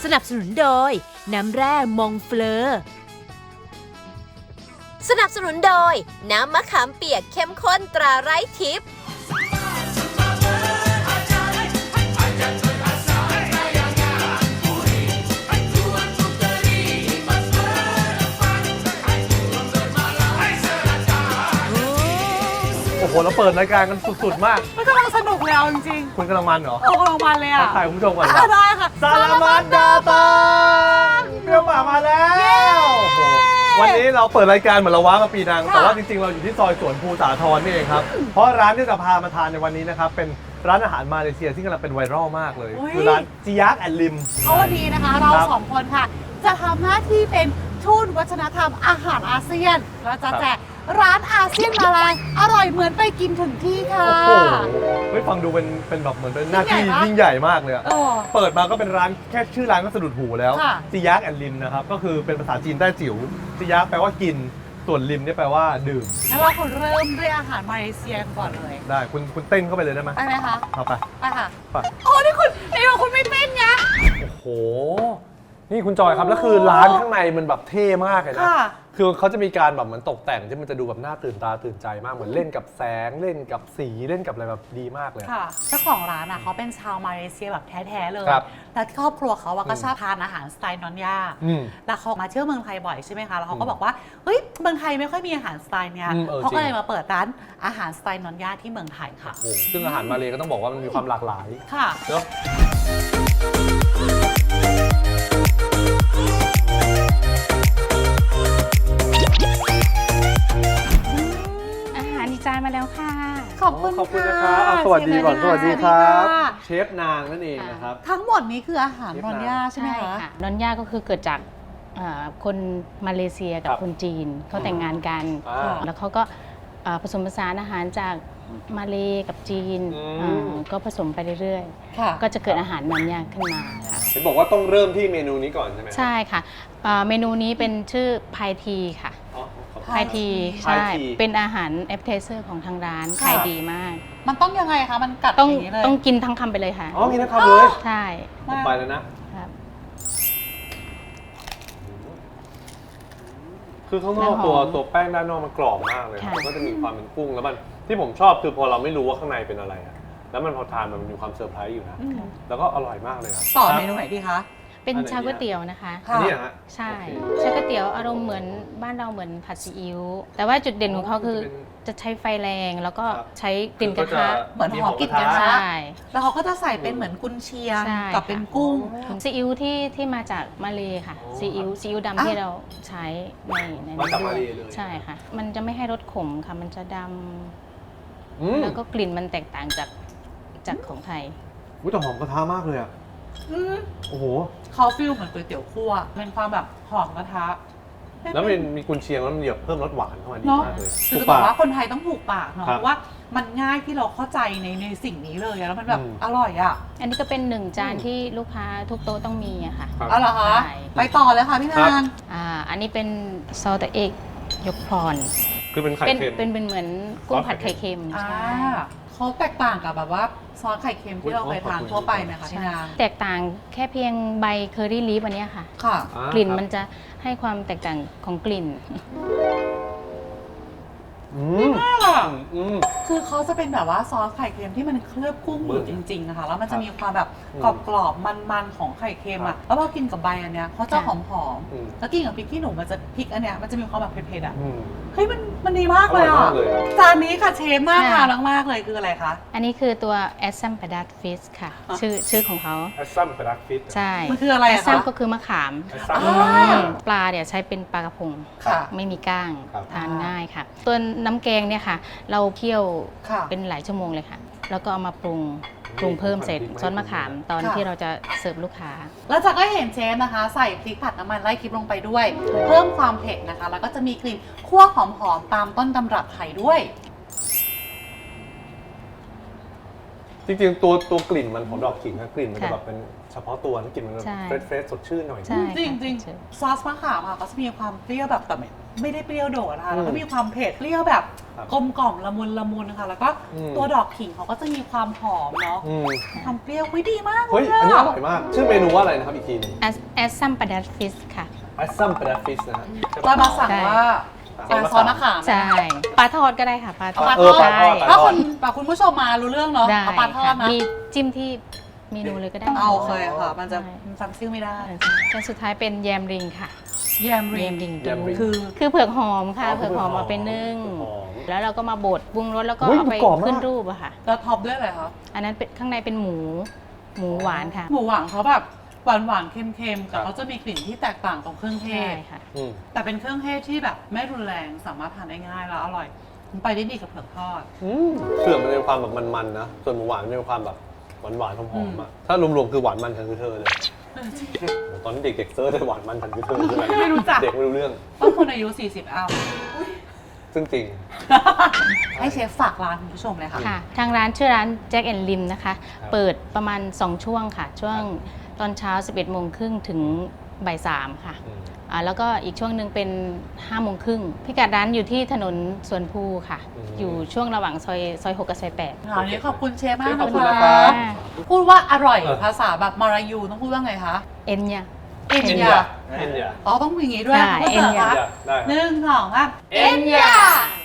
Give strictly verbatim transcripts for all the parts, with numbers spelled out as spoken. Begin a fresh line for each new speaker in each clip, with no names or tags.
สนับสนุนโดยน้ำแร่มองเฟลอสนับสนุนโดยน้ำมะขามเปียกเข้มข้นตราไร้ทิพย์
โอ้โหเราเปิดรายการกันสุดๆมาก
มันกำลังสนุกเลยเอาจริง
คุณกำลังมันเหรอ
ๆโอ้กำลังมันเลยอ่ะ
ถ่ายคุณผู้ชมก่อน
อ่ะได้ค่ะ
สารมัดดาตังเปรี้ยวป่ามาแล้วโอ้โหวันนี้เราเปิดรายการเหมือนเราว้ามาปีนังแต่ว่าจริงๆเราอยู่ที่ซอยสวนภูสาทรนี่เองครับเพราะร้านที่จะพามาทานในวันนี้นะครับเป็นร้านอาหารมาเลเซียที่กำลังเป็นไวรัลมากเลยคือร้านจิยักแอนลิม
เพราะวันนี้นะคะเราสองคนค่ะ จะทำหน้าที่เป็นทูตวัฒนธรรมอาหารอาเซียนเราจะแจกร้านอาเซียนมาลายอร่อยเหมือนไปกินถึงที่ค่ะ
โอ้โหเฮ้ยฟังดูเป็นเป็นแบบเหมือนเป็นหน้าที่
ยิ่
ยิ่ง
ง
ให
ใหญ่
ญ่
มาก
มากเลยอะ
เออ
เปิดมาก็เป็นร้านแค่ชื่อร้านก็สะดุดหูแล้ว
ค่ะ
จิยักแอนลิมนะครับก็คือเป็นภาษาจีนแต้จิ๋วจิยักแปลว่ากินส่วนลิมเนี่ยแปลว่าดื่ม
แล้วเราคนเริ่มด้วยอาหารมาเลเซียก่อนเลย
ได้คุณคุณเต้นเข้าไปเลยได้ไหม
ได้ไหมคะ
เอาไป
ไปค่ะ
ไป
โอ้นี่คุณนี่ว่าคุณไม่เต้นไง
โอ้โห นี่คุณจอยครับ แล้วคือร้านข้างในมันแบบเท่มากเลยนะ
ค่ะ
คือเขาจะมีการแบบเหมือนตกแต่งที่มันจะดูแบบน่าตื่นตาตื่นใจมาก เหมือนเล่นกับแสง เล่นกับสี เล่นกับอะไรแบบดีมากเลย
ค่ะเจ้าของร้านอ่ะเขาเป็นชาวมาเลเซียแบบแท้ๆเลย
ครับ
แล้วครอบครัวเขาอะก็
อืม
ชอบทานอาหารสไตล์นอนย่า
อืม
แล้วเขามาเที่ยวเมืองไทยบ่อยใช่ไหมคะ แล้วเขาก็
อืม
บอกว่า เฮ้ย เมืองไทยไม่ค่อยมีอาหารสไตล์เนี้ย
อืมเออ
เขาก็
จริง
เลยมาเปิดร้านอาหารสไตล์นอนย่าที่เมืองไทยค่ะ
โอ้โหซึ่งอาหารมาเลยก็ต้องบอกว่ามันมีความหลากหลาย
ค่ะ
เนอะ
อาหารอีกจานมาแล้วค่ะ
ขอบคุณ
ขอบคุณ
ค่ะ
นะครับอ่ะสวัสดีก่อน
เชฟ
สวัสดีครับ
สวัสดีค่ะ
เชฟนางนั่นเองนะครับ
ทั้งหมดนี้คืออาหารนอนย่าใช่ไหมคะ
นอนย่าก็คือเกิดจากเอ่อคนมาเลเซียกับ
ครับ
คนจีนเขาแต่งงานกัน
อ่า
แล้วเขาก็เอ่อผสมผสานอาหารจากมาเลกับจีน
อืม
อ่าก็ผสมไปเรื่อย
ค่ะ
ๆ ก็จะเกิดอาหารนอนย่าขึ้นมาค่ะ
เห็นบอกว่าต้องเริ่มที่เมนูนี้ก่อนใช่ไหม
ใช่ค่ะเอ่อเมนูนี้เป็นชื่อพายทีค่ะ
อ๋อขอบคุณ
พายที
พาย
ใช่
ที
เป็นอาหารแอปเทเซอร์ของทางร้าน
ค่ะ
ขายดีมาก
มันต้องยังไงคะ มันกัด
ต้อง
อย่างนี้เลย
ต้องกินทั้งคำไปเลยค่ะ
อ๋อมีนะครับเลย
ใช่
ผมไปแล้วนะ
ครับ
คือข้างนอก
แล้วหอม
ตัวตัวแป้งด้านนอกมันกรอบมากเลย
ค่ะ
มันก็จะมีความเป็นกุ้งแล้วมันที่ผมชอบคือพอเราไม่รู้ว่าข้างในเป็นอะไรอะแล้วมันพอทานมันมีความเซอร์ไพรส์อยู่นะ
อืม
แล้วก็อร่อยมากเลยครับ
ต่อเมนูไหนดีคะ
เป็น
อันไหน
ชาก๋วย
เนี่ย
เตี๋ยวนะคะ
ค่ะ
อันนี้เหรอฮะ
ใช่
โอเค
ชาก๋วยเตี๋ยวอารมณ์เหมือนบ้านเราเหมือนผัดซีอิ๊วแต่ว่าจุดเด่นของเขาคือ
จะเป็น
จะใช้ไฟแรงแล้วก็
ครับ
ใช้กลิ่นกระทะ
เหมือนหอมกลิ่นกระทะ
ใช่
แล้วเขาก็จะใส่เป็นเหมือนกุนเชียง
ใช่
กับเป็นกุ้ง
ซีอิ๊วที่ที่มาจากมาเลค่ะ
อ๋อ
ซีอิ๊วซีอิ๊ว
อ่ะ
ดำที่เราใช้ในใน
มาจาก
ด้ว
มาเลย เลย
ใช่ค่ะ มันจะไม่ให้รสขมค่ะ มันจะด
อืม
ำแล้วก็กลิ่นมันแตกต่างจากจากของไทย
อุ๊ยแต่หอมกระทะมากเลยอ่ะ
อืม
โอ้โห
เขาฟิลเหมือนก๋วยเตี๋ยวคั่วเป็นความแบบหอมกระทะ
แล้วมันมีกุนเชียงแล้วมันเหยียบเพิ่มรสหวานเข้ามาดี
เนาะ
มากเลย
คือ
ถู
จะ
ก
บอก
ปาก
ว่าคนไทยต้องถูกปากเนาะ
ครับ
เพราะว่ามันง่ายที่เราเข้าใจในในสิ่งนี้เลยอะแล้วมันแบบ
อืม
อร่อยอ่ะ
อันนี้ก็เป็นหนึ่งจานที่ลูกค้าทุกโต๊ะต้องมีอะค่ะ
ครับ
เอาเหรอคะ
ใช่
ไปต่อเลยค่ะพี่
ครั
นาง
บ
อ่าอันนี้เป็นซอสเอกยกพร
คือเป็นไข่
เป็น
เค็ม
เป็นเป็นเหมือนกุ้งผัดไข่เค็ม
อ่า
ใช่
เขาแตกต่างกับแบบว่าซอสไข่เค็มที่เราเคยทานทั่วไปไหมคะพี่นาง
แตกต่างแค่เพียงใบเคอรี่ลีฟอันเนี้ยค่ะ
ค่ะ
อ่าก
ลิ่น
ครับ
มันจะให้ความแตกต่างของกลิ่น
อืมอืม
คือเขาจะเป็นแบบว่าซอสไข่เค็มที่มันเคลือบกุ้งอยู่จริงๆนะคะแล้วมันจะมีความแบบ
อืม
กรอบๆมันๆของไข่เค็ม
ครั
อ่ะ
บ
แล้วพอกินกับใบอันเนี้ยเขาจะหอม
อืม
ๆแล้วกินกับพริกขี้หนูมันจะพริกอันเนี้ยมันจะมีความแบบเผ็ดๆอ่ะ
อืม
เฮ้ยมันมันดีมากเลย
อร่อย
อ่ะ
มากเลยอะ
จานนี้ค่ะเชฟน่า
ค่ะ
ทานมากๆเลยคืออะไรคะ
อันนี้คือตัวแอสซัมปาดัตฟิชค่ะ
อ่ะ
ชื่อชื่อของเขา
แอสซัมเป็นรักฟิต
ใช่
มันคืออะไร
แอ
อะ
สซัม
คะ
ก็คือมะขาม
แอสซัม
อ่า
ปลาเนี่ยใช้เป็นปลากระพง
ค่ะ
ไม่มีก้าง
ครับ
ทานง่ายค่ะ ตัวน้ำแกงเนี่ยค่ะ เราเคี่ยว
ค่ะ
เป็นหลายชั่วโมงเลยค่ะ แล้วก็เอามาปรุงปรุงเพิ่มเสร็จซอสมะขามตอน
ค่ะ
ที่เราจะเสิร์ฟลูกค้า
แล้วจากก็เห็นเชฟนะคะ ใส่พริกผัดน้ำมันไล่คลิปลงไปด้วย เพิ่มความเผ็ดนะคะ แล้วก็จะมีกลิ่นคั่วหอมๆตามต้นตำรับไทยด้วย
จริงๆตัวตัวกลิ่นมันของดอกขิงนะกลิ่นมันจะ
ค่ะ
แบบเป็นเฉพาะตัวนะกลิ่นมัน
ใช่
เฟรชเฟรชสดชื่นหน่อย
ใช่
จริงจริง
ใช่
ซอสมะขามอะก็จะมีความเปรี้ยวแบบแต่ไม่ไม่ได้เปรี้ยวโดดนะคะ
อืม
แล้วก็มีความเผ็ดเปรี้ยวแบบ
ครับ
กลมกล่อมละมุนละมุนนะคะแล้วก็
อืม
ตัวดอกขิงเขาก็จะมีความหอมเนาะ
อืม
ความเปรี้ยวไม่ดีมากเล
เฮ้ย
ย
อันนี้อ
อะ
ร่อยมาก ชื่อเมนูว่าอะไรนะครับอีกทีหนึง
แอสแอสซัมปาดัสฟิสค่ะ
แอสซัมปลาฟิชนะฮะ
เรามาสั่งว่า
ใช่
อ่าซอสมะขาม
ใช่ปลาทอดก็ได้ค่ะปลาท
เอา
อ
ป
ด
ลา
เอ
ท
อ
อด
ปลาทอดปลาทอด
ถ้าคุณปลาคุณผู้ชมมารู้เรื่องเนาะ
ได้
เอาปลาทอด
ค่ะ
นะ
มีจิ้มที่เมนูเลยก็ได้
เอาโอเคค่ะ มันจะ
ใช่
จำชื่อไม่ได้
และสุดท้ายเป็นแยมริงค่ะ
แยม
แย
ริง
มริง
แยมริง
คือ
คือเผือกหอมค่ะ
อ๋อ
เผือกหอมมาเป็นนึ่ง
เผือกหอม
แล้วเราก็มาบดปรุงรสแล้วก็
อุ๊ย
เอาไป
กรอบมาก
ขึ้นรูปอะค่ะ
แล้วท็อปด้วยอะไรคะ
อันนั้นเป็นข้างในเป็นหมูหมูหวานค่ะ
หมูหวานเขาแบบหวานหวานๆเค็มๆ
ครั
แต่
บ
เขาจะมีกลิ่นที่แตกต่างของเครื่องเท
ใช่
ศ
ค่ะ
อืม
แต่เป็นเครื่องเทศที่แบบไม่รุนแรงสามารถทานได้ง่ายแล้วอร่อยมันไปได้ดีกับเผือกทอด
อืมเผือกมันมีความแบบมันๆนะ ส่วนหมูหวานมันมีความแบบหวานๆหอมๆอะถ้ารวมๆคือหวานมันฉันคือเธอเลยโอ้โหตอนนี้เด็กๆเซิร์ชเลยหวานมันฉันคือเธอใช่ไหม
ไม่รู้จัก
เด็กไม่รู้เรื่อง
ต้องคนอายุ สี่สิบ อัพ
ซึ่งจริง
ให้เชฟฝากร้านคุณผู้ชมเลยค่ะ
ค่ะ ทางร้านชื่อร้านแจ็คแอนด์ลิมนะคะ
ครับ
เปิดประมาณ สอง ช่วงค่ะ ช่วงตอนเช้า สิบเอ็ดโมงครึ่งถึงบ่ายสามค่ะ
อืม
อ่าแล้วก็อีกช่วงหนึ่งเป็นห้าโมงครึ่งพิกัดร้านอยู่ที่ถนนสวนภูค่ะ
อืม
อยู่ช่วงระหว่างซอยซอยหกกับซอยแปด
วันนี้ขอบคุณเชฟมาก
ขอบคุณ
นะ
นะครั
คะ
บ
พูดว่าอร่อย
เออ
ภาษาแบบมาลายูต้องพูดว่าไงคะ
เอ็นเนี่ย
เอ็น
เอ็น
ยาย
าเอ็นยา
อ๋อต้องมีอย่างนี้ด้วย
ใช่
คุณผู้ชม
เอ็นยา
คะ
ได้ครับ
หนึ่งสองสาม
เอ็นยา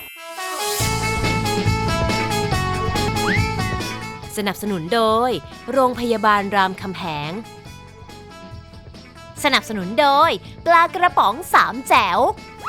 สนับสนุนโดย โรงพยาบาลรามคำแหง สนับสนุนโดย ปลากระป๋องสามแจ๋ว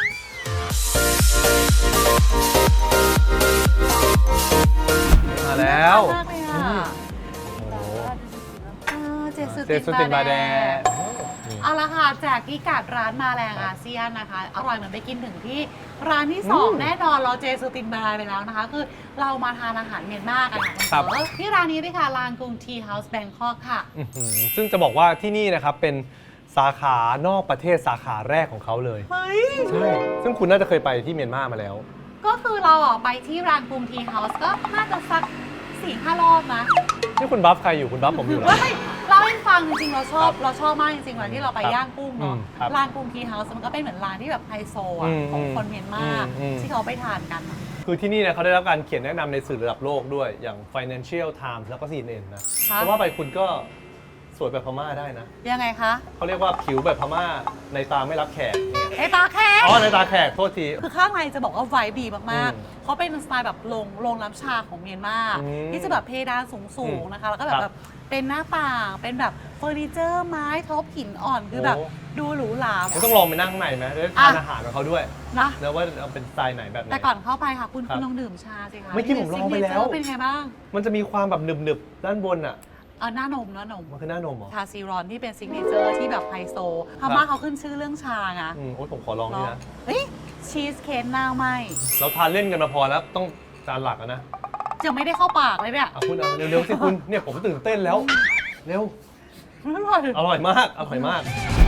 มาแล้ว
มากเลยค่ะ
โอ้โห
อ่าเจสุ
เจสุตินบาแด
เอาละค่ะแจกพิกัดร้านมาแรงอาเซียนนะคะ อร่อยเหมือนไปกินถึงที่ร้านที่สอง
อืม
แน่นอนเราเจสุตินบาไปแล้วนะคะ คือเรามาทานอาหารเมียนมากันค่ะ
ครับ
เออที่ร้านนี้ด้วยค่ะลานกรุงทีเฮาส์แบงคอกค่ะ
อื้อหือซึ่งจะบอกว่าที่นี่นะครับเป็นสาขานอกประเทศสาขาแรกของเขาเลย
เฮ้ย
ใช่ ซึ่งคุณน่าจะเคยไปที่เมียนมามาแล้ว
ก็คือเราอ่ะไปที่ร้านกรุงทีเฮาส์ก็น่าจะสักสี่ห้ารอบนะ
นี่คุณบัฟใครอยู่คุณบัฟผมอยู่เหรอ
เฮ้ยเล่าให้ฟังจริงๆเราชอบ
ครับ
เราชอบมากจริงๆวันที่เราไป
ครับ
ย่างกุ้งเนาะ
อืมครับ
ร้านกรุงทีเฮาส์มันก็เป็นเหมือนร้านที่แบบไฮโซอ่ะ
อืม
ของคนเมียนมา
อืมอืม
ที่เขาไปทานกันอะ
คือที่นี่เนี่ยเขาได้รับการเขียนแนะนำในสื่อระดับโลกด้วยอย่าง Financial Times แล้วก็ ซี เอ็น เอ็น นะ
ค่ะ
เพราะว่าไปคุณก็สวยแบบพม่าได้นะ
ยังไงคะ
เขาเรียกว่าผิวแบบพม่าในตาไม่รับแขกเนี่ย
ไอตาแค่
อ๋อในตาแขกโทษที
คือข้างในจะบอกว่าไวบ์ดีมาก
อืม
ๆ เขาเป็นสไตล์แบบโรงโรงน้ำชาของเมียนมา
อืม
ที่จะแบบเพดานสูง
อืม
ๆ นะคะ แล้วก็แบ
ครับ บ
แบบเป็นหน้าต่าง เป็นแบบเฟอร์นิเจอร์ไม้ท็อปหินอ่อนคือแบบ
โอ้
ดูหรูหรา
คุณต้องลองไปนั่งข้างในไหมได้ทาน
อ่ะ
อาหารของเขาด้วย
นะ
แล้วว่าเอาเป็นสไตล์ไหนแบบไหน
แต่ก่อนเข้าไปค่ะ คุณ
ครับ
คุณลองดื่มชาสิคะ
เมื่อกี้ผมลองไปแล้ว
เป็นไงบ้าง
มันจะมีความแบบหนึบๆด้านบนอ่ะ
เออหน้านมหน้านม
มันคือหน้านมเหรอ
ชาซีรอนที่เป็นซิกเนเจอร์ที่แบบไฮโซพม่าเขาขึ้นชื่อเรื่องชาไง
อืมโอ๊ยผมขอลองนี่
เนาะ
นะ
เฮ้ยชีสเค้กหน้าไหม
เราทานเล่นกันมาพอแล้วต้องจานหลักอะนะ
ยังไม่ได้เข้าปากเลยเนี่ย
เอาคุณเอาเร็วๆสิคุณเนี่ยผมตื่นเต้นแล้ว เร็ว
อร่อย
อร่อยมาก อร่อยมาก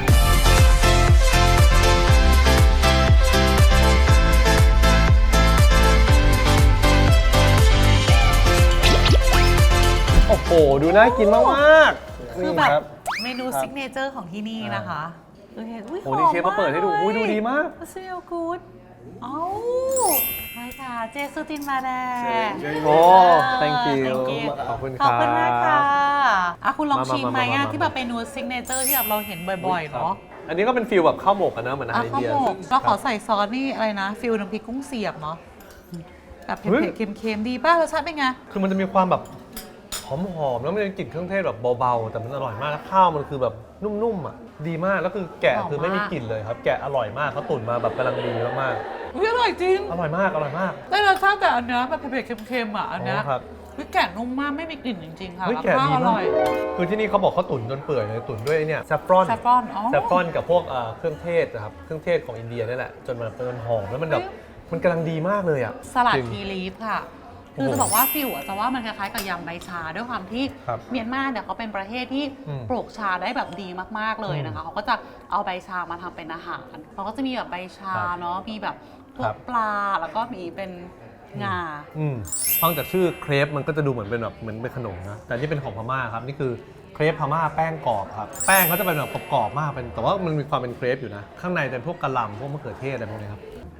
โอ้โห ดูน่ากินมากๆ
คือ
นี่
แบบ
ครับ
เมนู
ครับ
ซิกเนเจอร์ของที่นี่นะคะคือเห็นอุ้ย
โอ้โหนี่เชฟมาเปิดให้ดูอุ้ยดูดีมาก
เซลกูดเอ้าใช่ค่ะ เจสุตินมาแดง
โอ้ thank you
thank you
ขอบคุณ
ขอบคุณมาก
ครั
ค่ะ
บ
อ่ะคุณลอง
มามา
ชิมไหม
มามา
อ่ะ
มา
ที่แบบเมนูซิกเนเจอร์ที่แบบเราเห็นบ่อยๆเนาะ
อันนี้ก็เป็นฟิลแบบข้าวหมกกันนะเหมือนอาหา
อ่ะ
รอิน
ข้าว
เดีย
หมกเราขอใส่ซอสนี่อะไรนะ ฟิลน้ำพริกกุ้งเสียบเนาะแบบเผ็ดๆเค็มๆดีป่ะรสชาติเป็นไง
คือมันจะมีความแบบหอมๆแล้วมันจะกลิ่นเครื่องเทศแบบเบาๆ แต่มันอร่อยมากแล้วข้าวมันคือแบบนุ่มๆอ่ะดีมากแล้วคือแกะ
หอมมาก
คือไม่มีกลิ่นเลยครับ แกะอร่อยมากเขาตุ๋นมาแบบกำลังดีมาก
อุ้ยอร่อยจริง
ๆอร่อยมากอร่อยมาก
ได้รสชาติแต่อันเนี้ยแบบเผ็ดๆเค็มๆอ่ะอันเนี้ย
อ๋อครับ
วิแกะนุ่มมากไม่มีกลิ่นจริงๆค่ะ
เฮ้ย
แล้ว
แกะ
ข้าว
ดี
อ
มา
ร่
ก
อย
คือที่นี่เขาบอกเขาตุ๋นจนเปื่อยเลยตุ๋นด้วยไอ้เนี่ยแซฟฟรอน
แซฟฟรอนอ๋อ
แซฟฟรอนกับพวกเอ่อเครื่องเทศนะครับเครื่องเทศของอินเดียนี่แหละจนมันเป็นหอมแล้วมันแบบมันกำลังดีมากเลยอ่ะ
สลัด
จริง
ทีลีฟค่ะ คือ
โอ้โห
จะบอกว่าฟิวอ่ะจะว่ามันคล้ายๆกับยำใบชาด้วยความที่
ครับ
เมียนมาเนี่ยเขาเป็นประเทศที่
อืม
ปลูกชาได้แบบดีมากๆเลยนะคะ
อืม
เขาก็จะเอาใบชามาทำเป็นอาหารเขาก็จะมีแบบใบชา
ครับ
เนาะมีแบบพว
ครั
ก
บ
ปลาแล้วก็มีเป็นงา
อืมฟังจากชื่อเครปมันก็จะดูเหมือนเป็นแบบเหมือนเป็นขนมนะแต่นี่เป็นของพม่าครับนี่คือเครปพม่าแป้งกรอบครับแป้งเขาจะเป็นแบบกรอบๆมากเป็นแต่ว่ามันมีความเป็นเครปอยู่นะข้างในเป็นพวกกะหล่ำพวกมะเขือเทศอะไรพวกนี้ครับ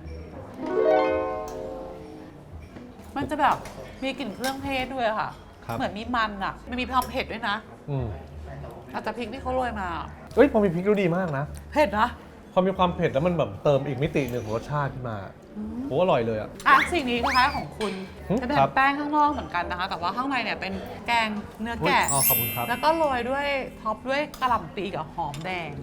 มันจะแบบมีกลิ่นเครื่องเทศด้วยค่ะ
ครับ
เหมือนมีมันอ่ะมันมีความเผ็ดด้วยนะ
อืม
อาจจะพริกที่เขาโรยมา
เอ้ยพอมีพริกดูดีมากนะ
เผ็ดนะ
พอมีความเผ็ดแล้วมันแบบเติมอีกมิติหนึ่งของรสชาติขึ้นมาโหอร่อยเลยอ่ะ
อ่ะสิ่งนี้นะคะของคุณ
อืม
จะเป็น
ครับ
แป้งข้างนอกเหมือนกันนะคะ แต่ว่าข้างในเนี่ยเป็นแกงเนื้อแกะ
อ๋อขอบคุณครับ
แล้วก็โรยด้วยท็อปด้วยกระหล่ำปีกับหอมแดง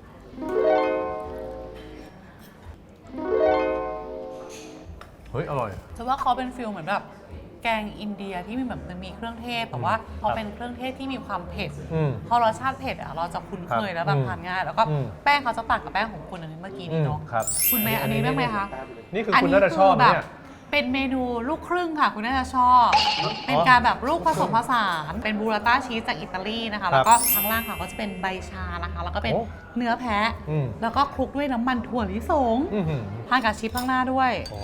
เฮ้ยอร่อย
จะว่าเขาเป็นฟิลเหมือนแบบแกงอินเดียที่มีแบบมันมีเครื่องเทศแต่ว่าพอเป็นเครื่องเทศที่มีความเผ็ด
อืม
พอรสชาติเผ็ดอ่ะเราจะคุ้นเคยแล้วแบบ
อืม
ทานง่าย แล้วก็
อืม
แป้งเขาจะต่างกับแป้งของคุณอันนี้เมื่อกี้นี้เนาะ
ครับ
คุณเมย์อันนี้ได้ไหมคะ
นี่คือคุณน่าจะชอบ
แบ
เนี่ย
บเป็นเมนูลูกครึ่งค่ะ คุณน่าจะชอบเป็นการแบบลูกผสมผสานเป็นบูราต้าชีสจากอิตาลีนะคะ แล้วก็ข้างล่างค่ะก็จะเป็นใบชานะคะ แล้วก็เป็น
โอ้
เนื้อแพะ
อืม
แล้วก็คลุกด้วยน้ำมันถั่วลิสง
อื้อหือ
ทานกับชิปข้างหน้าด้วย
อ๋อ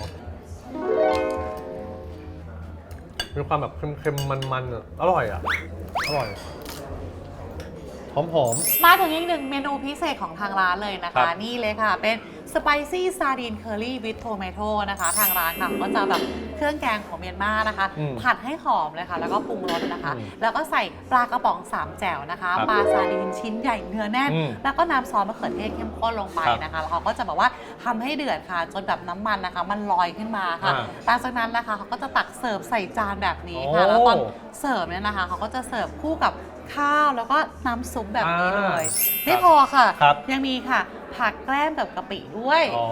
มีความแบบเค็มๆมันๆอะอร่อยอ่ะ อร่อย หอม
มาถึงอีกหนึ่งเมนูพิเศษของทางร้านเลยนะ
ครั
คะ
บ
นี่เลยค่ะ เป็น spicy sardine curry with tomato นะคะ ทางร้านค่ะก็จะแบบเครื่องแกงของเมียนมานะคะ
อืม
ผัดให้หอมเลยค่ะ แล้วก็ปรุงรสนะคะ
อืม
แล้วก็ใส่ปลากระป๋องสามแจ่วนะคะ
ครับ
ปลาซาดีนชิ้นใหญ่เนื้อแน่น
อืม
แล้วก็น้ำซอสมะเขือเทศเข้มข้นลงไป
ครับ
นะคะแล้วเขาก็จะแบบว่าทำให้เดือดค่ะ จนแบบน้ำมันนะคะ มันลอยขึ้นมาค่ะ
อ่า
หลังจากนั้นนะคะเขาก็จะตักเสิร์ฟใส่จานแบบนี้ค่ะ แล้วตอนเสิร์ฟเนี่ยนะคะเขาก็จะเสิร์ฟคู่กับข้าวแล้วก็น้ำซุปแบบนี้เลย
อ่า
ไม่พอค่ะ
ครับ
ยังมีค่ะ ผักแกล้มกับกะปิด้วย
อ๋อ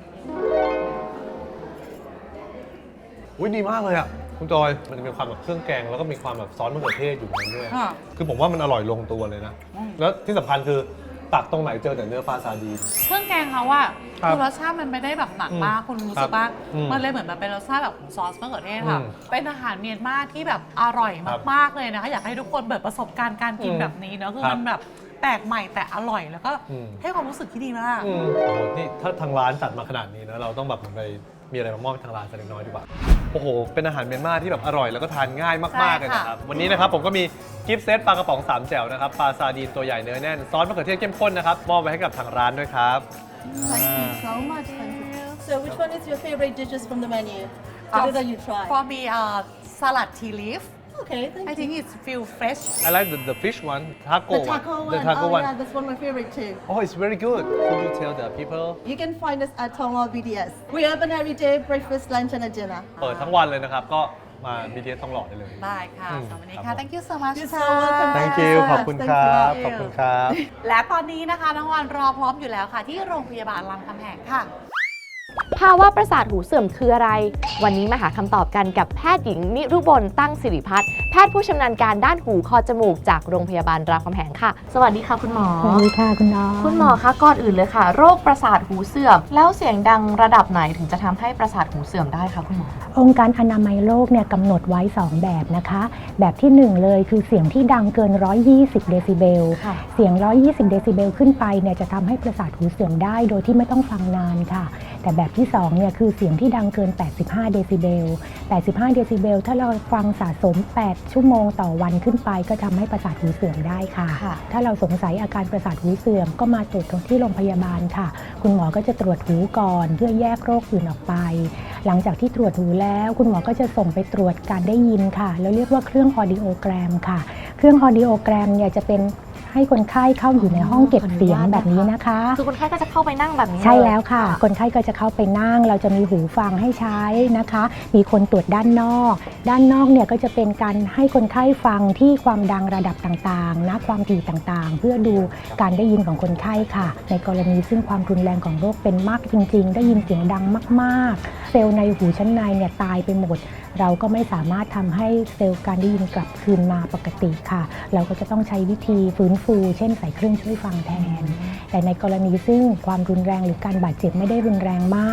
อุ้ยดีมากเลยอ่ะ คุณจอย มันจะมีความแบบเครื่องแกงแล้วก็มีความแบบซอสมะเขือเทศอยู่ในนั้นด้วย
ค่ะ
คือผมว่ามันอร่อยลงตัวเลยนะ
อืม
แล้วที่สำคัญคือตักตรงไหนเจอแต่เนื้อปลาซาดีน
เครื่องแกงเขาว่า
ครับ
คือรสชาติมันไม่ได้แบบหนักมาก
อืม
คุณรู้สึกว่า
อืม
มันเลยเหมือนแบบเป็นรสชาติแบบของซอสมะเขือเทศค่ะ
อืม
เป็นอาหารเมียนมาที่แบบอร่อย
ครับ
มากๆเลยนะคะอยากให้ทุกคนเปิดประสบการณ์การกิน
อืม
แบบนี้เนอะคือ
ครับ
มันแบบแปลกใหม่แต่อร่อยแล้วก็
อืม
ให้ความรู้สึกที่ดีมาก
อืมโอ้โหนี่ถ้าทางร้านจัดมาขนาดนี้นะเราต้องแบบเหมือนไปมีอะไรมามอบให้ทางร้านสักเล็กน้อยดีกว่า โอ้โห เป็นอาหารเมียนมาที่แบบอร่อยแล้วก็ทานง่ายมากๆเลยนะครับ วันนี้นะครับผมก็มีกิฟต์เซตปลากระป๋องสามแจ่วนะครับปลาซาดีนตัวใหญ่เนื้อแน่นซอสมะเขือเทศเข้มข้นนะครับมอบไว้ให้กับทางร้านด้วยครับ
Thank you so much. Thank you. So, which one is your favorite dishes from the menu?
Uh,
What did you try?
For me uh salad tea leaf
Okay, thank
I
you.
think it's feel fresh
I like the, the fish one taco
The taco
one
one.
the taco
oh
one
yeah, that's one of my favorite too.
oh it's very good could you tell the people
You can find us at Tongwall B D S. We open every day, breakfast, lunch, and a dinner.
เปิดทั้งวันเลยนะครับ ก็มา บี ที เอส ทองหล่อได้เลย
ได้ค่ะ
อืม
สำหรับวันนี้
ครั
ค่ะ
บผม
thank you so much
You're
ค่ะ
so welcome.
thank
Thank
you
you so
ขอบ
much.
คุณ
Thanks
ค
a
รับ
lot.
ขอบคุณครับ
และตอนนี้นะคะน้องวันรอพร้อมอยู่แล้วค่ะ ที่โรงพยาบาลรามคำแหงค่ะ
ภาวะประสาทหูเสื่อมคืออะไร วันนี้มาหาคำตอบกันกับแพทย์หญิงนิรุบลตั้งสิริพัฒน์แพทย์ผู้ชำนาญการด้านหูคอจมูกจากโรงพยาบาลรามคำแหงค่ะ สวัสดีค่ะคุณหมอ
สวัสดีค่ะคุณน้อง
คุณหมอคะก่อนอื่นเลยค่ะ โรคประสาทหูเสื่อม แล้วเสียงดังระดับไหนถึงจะทำให้ประสาทหูเสื่อมได้คะคุณหมอ
องค์การอนามัยโลกเนี่ยกำหนดไว้ สอง แบบนะคะ แบบที่หนึ่งเลยคือเสียงที่ดังเกิน หนึ่งร้อยยี่สิบ เดซิเบล
ค่ะ
เสียง หนึ่งร้อยยี่สิบ เดซิเบลขึ้นไปเนี่ยจะทำให้ประสาทหูเสื่อมได้โดยที่ไม่ต้องฟังนานค่ะ แต่แบบที่สองเนี่ยคือเสียงที่ดังเกิน แปดสิบห้า เดซิเบล แปดสิบห้า เดซิเบล ถ้าเราฟังสะสม แปด ชั่วโมงต่อวันขึ้นไปก็ทำให้ประสาทหูเสื่อมได้ค่ะ
ค่ะ
ถ้าเราสงสัยอาการประสาทหูเสื่อมก็มาตรวจที่โรงพยาบาลค่ะ คุณหมอก็จะตรวจหูก่อนเพื่อแยกโรคอื่นออกไป หลังจากที่ตรวจหูแล้วคุณหมอก็จะส่งไปตรวจการได้ยินค่ะแล้วเรียกว่าเครื่องออดิโอแกรมค่ะ เครื่องออดิโอแกรมเนี่ยจะเป็นให้คนไข้เข้าอยู่ในห้องเก็บเสียงแบบนี้นะคะ
คือคนไข้ก็จะเข้าไปนั่งแบบนี้
ใช่
เย
แล้วค่ะ คนไข้ก็จะเข้าไปนั่ง เราจะมีหูฟังให้ใช้นะคะ มีคนตรวจด้านนอก ด้านนอกเนี่ยก็จะเป็นการให้คนไข้ฟังที่ความดังระดับต่างๆนะความถี่ต่างๆ เพื่อดูการได้ยินของคนไข้ค่ะ ในกรณีซึ่งความรุนแรงของโรคเป็นมากจริงๆ ได้ยินเสียงดังมากๆ เซลล์ในหูชั้นในเนี่ยตายไปหมด เราก็ไม่สามารถทำให้เซลล์การได้ยินกลับคืนมาปกติค่ะ เราก็จะต้องใช้วิธีฟื้นฟู เช่นใส่เครื่องช่วยฟังแทน แต่ในกรณีซึ่งความรุนแรงหรือการบาดเจ็บไม่ได้รุนแรงมาก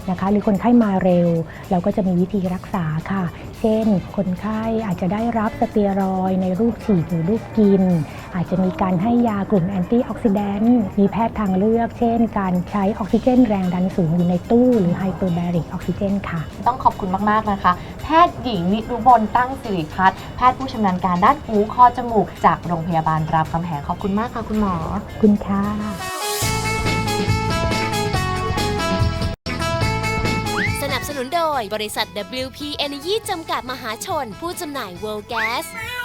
นะคะหรือคนไข้มาเร็วเราก็จะมีวิธีรักษาค่ะเช่นคนไข้อาจจะได้รับสเตียรอยด์ในรูปฉีดหรือรูปกินอาจจะมีการให้ยากลุ่มแอนตี้ออกซิแดนต์มีแพทย์ทางเลือกเช่นการใช้ออกซิเจนแรงดันสูงอยู่ในตู้หรือไฮเปอร์แบริกออกซิเจนค่ะ
ต้องขอบคุณมากๆนะคะแพทย์หญิงนิรุบลตั้งสิริพัฒน์แพทย์ผู้ชำนาญการด้านหูคอจมูกจากโรงพยาบาลรามคำแหงขอบคุณมากค่ะคุณหมอ
คุณค่ะ
สนับสนุนโดยบริษัท ดับเบิลยู พี Energy จำกัดมหาชนผู้จำหน่าย World Gas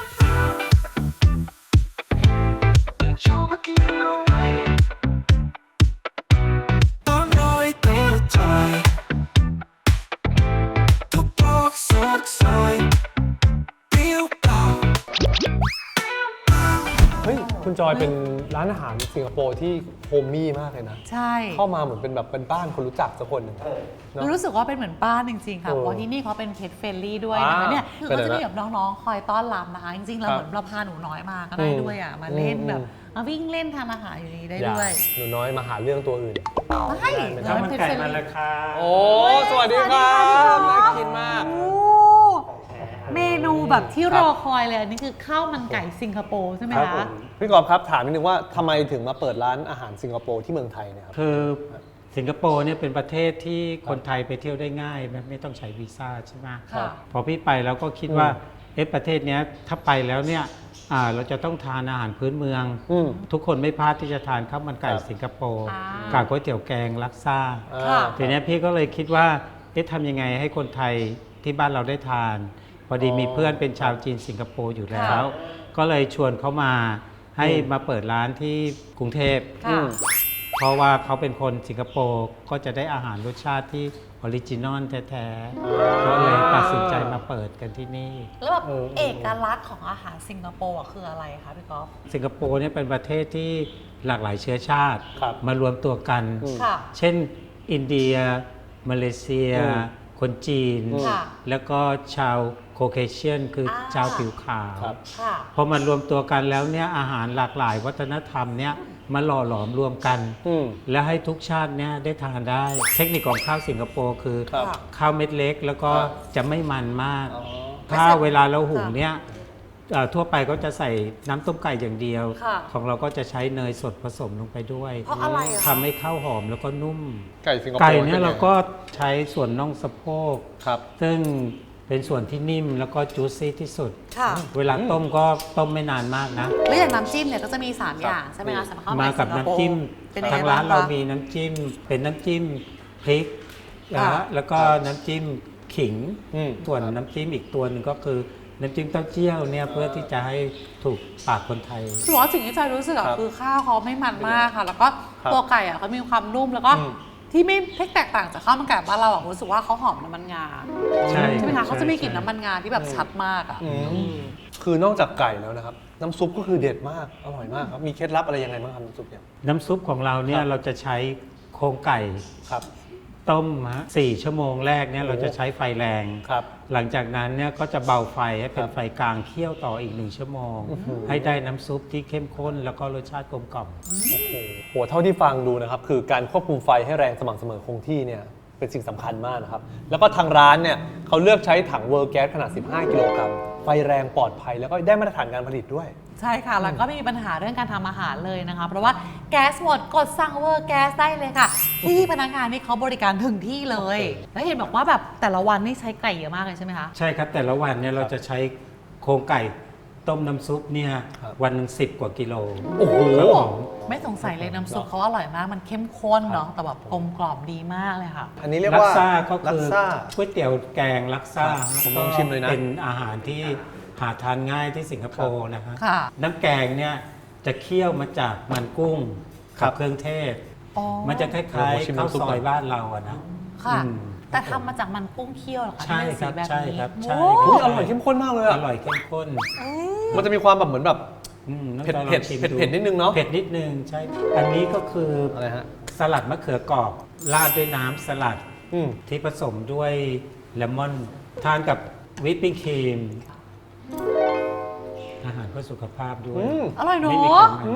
เฮ้ยคุณจอยเป็นร้านอาหารสิงคโปร์ที่โฮมมี่มากเลยนะ
ใช่
เข้ามาเหมือนเป็นแบบเป็นบ้านคนรู้จักสักคนหนึ่งเนอะ
รู้สึกว่าเป็นเหมือนบ้านจริงๆค่ะ
เออ
เพราะที่นี่เขาเป็นเพจเฟรนลี่ด้วยนะคะ
อ่า
เนี่ยคือ
เป็น
ก็
ไง
จะมี
นะ
แบบน้องๆ คอยต้อนรับนะคะ จริงๆ เรา
ครับ
เหมือนเราพาหนูน้อยมาก็ได้
อืม
ด้วยอ่ะ มาเล่น
อืม
แบบมาวิ่งเล่นทานอาหารอยู่นี้ได้
อย่า
ด้วย
หนูน้อยมาหาเรื่องตัวอื่น
ไม่
ได้
เราเป็นเพจเฟรนลี่
โอ้สวัสดีครับน่ากินมาก
โอ้เมนูแบบที่รอคอยเลยอันนี้คือข้าวมันไก่สิงคโปร์ใช่ไหม
ครับผ
คะ
มพี่กอล์ฟครับถามนิดนึงว่าทำไมถึงมาเปิดร้านอาหารสิงคโปร์ที่เมืองไทยเนี่ยครับ
คือสิงคโปร์เนี่ยเป็นประเทศที่คนไทยไปเที่ยวได้ง่ายไม่ไม่ต้องใช้วีซ่าใช่ไหม
ค่ะ
พอพี่ไปแล้วก็คิดว่าเอ๊ะประเทศเนี้ยถ้าไปแล้วเนี่ยอ่าเราจะต้องทานอาหารพื้นเมือง
อืม
ทุกคนไม่พลาดที่จะทานข้าวมันไก่
ครับ
สิงคโปร์
อ่า
กับก๋วยเตี๋ยวแกงลักซ่า
ค่ะ
ทีเนี้ยพี่ก็เลยคิดว่าเอ๊ะทำยังไงให้คนไทยที่บ้านเราได้ทาน พอดีมีเพื่อนเป็นชาวจีนสิงคโปร์อยู่แล้ว ก็เลยชวนเขามาให้มาเปิดร้านที่กรุงเทพ
ค่ะ
เพราะว่าเขาเป็นคนสิงคโปร์ก็จะได้อาหารรสชาติที่ออริจินอลแท้ๆ ก็เลยตัดสินใจมาเปิดกันที่นี่
แล้วแบบ
เออ
เอกลักษณ์ของอาหารสิงคโปร์อะคืออะไรคะพี่กอล์ฟ
สิงคโปร์เนี่ยเป็นประเทศที่หลากหลายเชื้อชาติ
ครับ
มารวมตัวกัน
อืม
ค่ะ
เช่นอินเดีย มาเลเซีย
อืม
คนจีน
ค่ะ
แล้วก็ชาวโคเคเชียนคืออา ชาวผิวขาว
ครับ
ค่ะ
พอมันรวมตัวกันแล้วเนี่ยอาหารหลากหลายวัฒนธรรมเนี่ยมาหล่อหลอมรวมกัน
อืม
และให้ทุกชาติเนี่ยได้ทานได้ เทคนิคของข้าวสิงคโปร์คือ
ครับ
ข้าวเม็ดเล็กแล้วก็
ครับ
จะไม่มันมาก
อ๋อ
ข้าวเวลาเราหุงเนี่ยเอ่อทั่วไปก็จะใส่น้ำต้มไก่อย่างเดียว
ค่ะ
ของเราก็จะใช้เนยสดผสมลงไปด้วย
เพราะอะไรอะคะ
ทำให้ข้าวหอมแล้วก็นุ่ม
ไก่สิงคโปร์
ไก่เนี่ย
ป็ไง
เราก็ใช้ส่วนน่องสะโพก
ครับ
ซึ่งเป็นส่วนที่นิ่มแล้วก็จูซี่ที่สุด
ค่ะ
เวลาต้มก็ต้มไม่นานมากนะ
แล้วอย่างน้ำจิ้มเนี่ยก็จะมี สาม อย่างใช่ไหมคะสำหรับข้าว
มา
ไก่
กับ
สิงคโปร์
น้ำจิ้ม
เป็นยังไง
ทาง
บ้า
ร้าง นเรา
คะ
มีน้ำจิ้ม เป็นน้ำจิ้มพริกนะ
ค่ะ
ฮะแล้วก็น้ำจิ้มขิง
อืม
ส่วนน้ำจิ้มอีกตัวหนึ่งก็คือน้ำจิ้มเต้าเจี้ยวเนี่ยเพื่อที่จะให้ถูกปากคนไทย
ถือว่าสิ่งที่จอยรู้สึกอะ
ครับ
คือข้าวเขาไม่มันมากค่ะ แล้วก็
ครับ
ตัวไก่อะเขามีความนุ่มแล้วก็
อืม
ที่ไม่แตกต่างจากข้าวมันไก่บ้านเราอะรู้สึกว่าเขาหอมน้ำมันงา
ใช่
ใช่ไหมคะ
ใช่
เขาจะมีกลิ่น
ใช่
น้ำมันงาที่แบบชัดมากอะ
อืมคือนอกจากไก่แล้วนะครับ น้ำซุปก็คือเด็ดมาก อร่อยมากครับ มีเคล็ดลับอะไรยังไงบ้างครับน้ำซุปเนี่ย
น้ำซุปของเราเนี่
ค
ย
รับ
เราจะใช้โครงไก่
ครับ
ต้มฮะสี่ชั่วโมงแรกเนี่ยเราจะใช้ไฟแรง
ครับ
หลังจากนั้นเนี่ยก็จะเบาไฟให้เป็
คน รับ
ไฟกลางเคี่ยวต่ออีกหนึ่งชั่วโมง
อื้อหือ
ให้ได้น้ำซุปที่เข้มข้นแล้วก็รสชาติกลมกล่อม
โอ้โหโหเท่าที่ฟังดูนะครับ คือการควบคุมไฟให้แรงสม่ำเสมอคงที่เนี่ยเป็นสิ่งสำคัญมากนะครับ แล้วก็ทางร้านเนี่ยเขาเลือกใช้ถังเวอร์แก๊สขนาด สิบห้า กิโลกรัม ไฟแรงปลอดภัยแล้วก็ได้มาตรฐานการผลิตด้วย
ใช่ค่ะ แล้วก็ไม่มีปัญหาเรื่องการทำอาหารเลยนะคะ เพราะว่าแก๊สหมดกดสั่งเวอร์แก๊สได้เลยค่ะ ที่พนักงานนี่เขาบริการถึงที่เลย แล้วเห็นบอกว่าแบบแต่ละวันนี่ใช้ไก่เยอะมากเลยใช่ไหมคะ
ใช่ครับแต่ละวันเนี่ยเราจะใช้โครงไก่ต้มน้ำซุปเนี่ย
ครับ
วันหนึ่งสิบกว่ากิโล
โอ้โห
ครับผม
ไม่สงสัยเลยน้ำซุปเขาอร่อยมาก มันเข้มข้นเนาะ แต่แบบกลมกล่อมดีมากเลยค่ะ
อันนี้เรียก
ลั
ว่า
ซ่าก็
ลั
คื
ก
อ
ซ่า
ก๋วยเตี๋ยวแกงลักซ่า
ครับผมลองชิมเลยนะ
เป็นอาหารที่หาทานง่ายที่สิงคโปร์นะฮะ
ค่ะ
น้ำแกงเนี่ยจะเคี่ยวมาจากมันกุ้ง
ครั
กับบ เครื่องเทศ
อ๋อ
มันจะคล้าย
โอ้โหชิม
ๆข้าว
น้ำซุป
ซอ
ก่
ย
อน
บ้านเราอะนะ
ค่ะ
อืม
แต่ทำมาจากมันกุ้งเคี่ยวเหรอคะ
ใช่
ที่เป็น
ครับ
สีแบบนี้
ใช่ครับใช่
โอ้
ครับ
อุ๊ยอร่อยเข้มข้นมากเลย
อ
อะ
ร่อยเข้มข้น
มันจะมีความแบบเหมือนแบบ
อืมน้อง
เผ็ด
จอยลอง
เผ็ด
ชิม
เผ็ดเผ็ดนิดนึงเนอะ
เผ็ดนิดนึงใช่ อันนี้ก็คือ
อะไรฮะ
สลัดมะเขือกรอบราดด้วยน้ำสลัด
อืม
ที่ผสมด้วยเลมอน ทานกับวิปปิ้งครีม อาหารเพื่อสุขภาพด้วย
อืม
อร่อยเน
ไม่มี
อะ
ไขมัน
อืม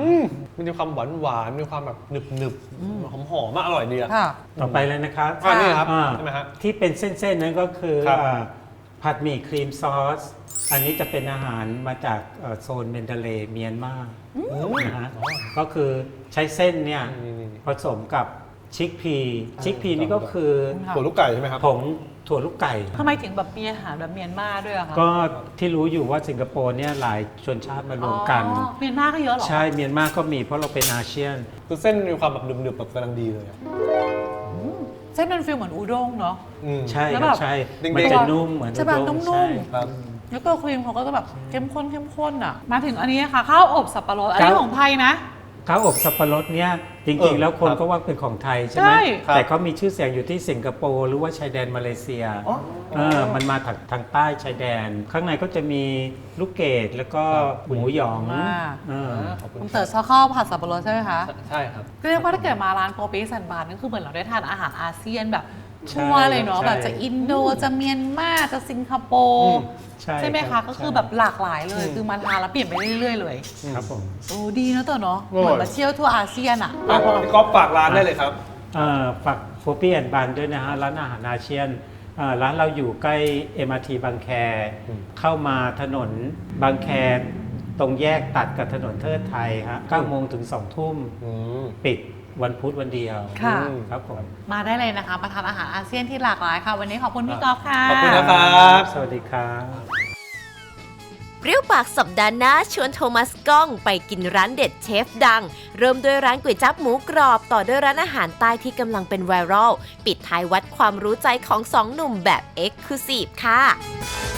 มันมีความหวานหวานๆมีความแบบหนึบหนึบหอมหอมๆมากอร่อยดีอะ
ค่ะ
ต่อไปเลยนะครับ
อันนี้ครับ
อ่า
ใช่ไหมฮะ
ที่เป็นเส้นๆนั้นก็คือ
ครับ
อ่าผัดหมี่ครีมซอส อันนี้จะเป็นอาหารมาจากเอ่อโซนเมนเดเลย์เมียนมานะฮะก็คือใช้เส้นเนี่ย
นี่
ผสมกับชิคพีชิคพีนี่ก็คือ
ๆถั่วลูกไก่ใช่ไหมครับ
ผงถั่วลูกไก่
ทำไมถึงแบบมีอาหารแบบเมียนมาด้วยอะคะ
ก็ที่รู้อยู่ว่าสิงคโปร์เนี่ยหลายชนชาติมารวมกัน
อ๋อเมียนมาก็เยอะเหรอ
ใช่เมียนมาก็มีเพราะเราเป็นอาเซียน
คือเส้นมีความแบบหนึบๆแบบกำลังดีเลยอะ
เส้นมันฟีลเหมือนอูด้งเนาะ
อืม
ใช่
แล้ว
ค
แบ
รับบ ใช่
เด้งๆ
มันจะนุ่มเหมือน
ใช่ป่ะ
อุด้ง
นุ่มๆ
ใช่
ครับ
แล้วตัวครีมเขาก็จะแบบเข้มข้นเข้มข้นอ่ะ มาถึงอันนี้ค่ะข้าวอบสับปะรดอันนี้ของไทยนะ
ข้าวอบสับปะรดเนี่ยจ
เอ
ริง
อ
ๆ แล้วคน
ครับ
ก็ว่าเป็นของไทยใช่
ใช่
ไหม
ครับ
แต่เขามีชื่อเสียงอยู่ที่สิงคโปร์หรือว่าชายแดนมาเลเซีย
อ๋อ
เออมันมาทางทางใต้ชายแดน ข้างในก็จะมีลูกเกดแล้วก็หมูหยอง
อ่า
เออ
ขอบคุณ
คุณเต๋อชอบข้าวผัดสับปะรดใช่ไหมคะ
ใช่ครับ
เรียกว่าถ้าเกิดมาร้านโกปิสันบานก็คือเหมือนเราได้ทานอาหารอาเซียนแบบ
ใช่
ทั่วเลยเนาะ
ใช่
แบบจะอินโดจะเมียนมาจะสิงคโป
อื
ร์
ม
ใช่
ไหม
รั
คะ
บ
ก็คือ
ใช่
แบบหลากหลายเลย คือมาทานแล้วเปลี่ยนไปเรื่อยๆเลย
ครับผม
โอ้ดีนะเต๋อเนาะ
อร่อย
เหมือนมาเที่ยวทั่วอาเซียนอ่ะ
อ่ะพี่ก๊อฟฝากร้านได้เลยครับ
เอ่อฝากโฟปี้แอนด์บันด้วยนะฮะ ร้านอาหารอาเซียนเอ่อร้านเราอยู่ใกล้ เอ็ม อาร์ ที บางแค
อืม
เข้ามาถนนบางแค ตรงแยกตัดกับถนนเทิดไทยฮะเก้าโมงถึงสองทุ่ม
อืม
ปิดวันพุธวันเดียว
ค่ะ
อืม
ครับผม
มาได้เลยนะคะ มาทานอาหารอาเซียนที่หลากหลายค่ะ วันนี้ขอบคุณพี่กอล์ฟค่ะ
ขอบคุณนะครับ
สวัสดีครับ
เปรี้ยวปากสัปดาห์หน้าชวนโทมัสก้องไปกินร้านเด็ดเชฟดัง เริ่มด้วยร้านก๋วยจั๊บหมูกรอบ ต่อด้วยร้านอาหารใต้ที่กำลังเป็นไวรัลปิดท้ายวัดความรู้ใจของสองหนุ่มแบบเอ็กซ์คลูซีฟค่ะ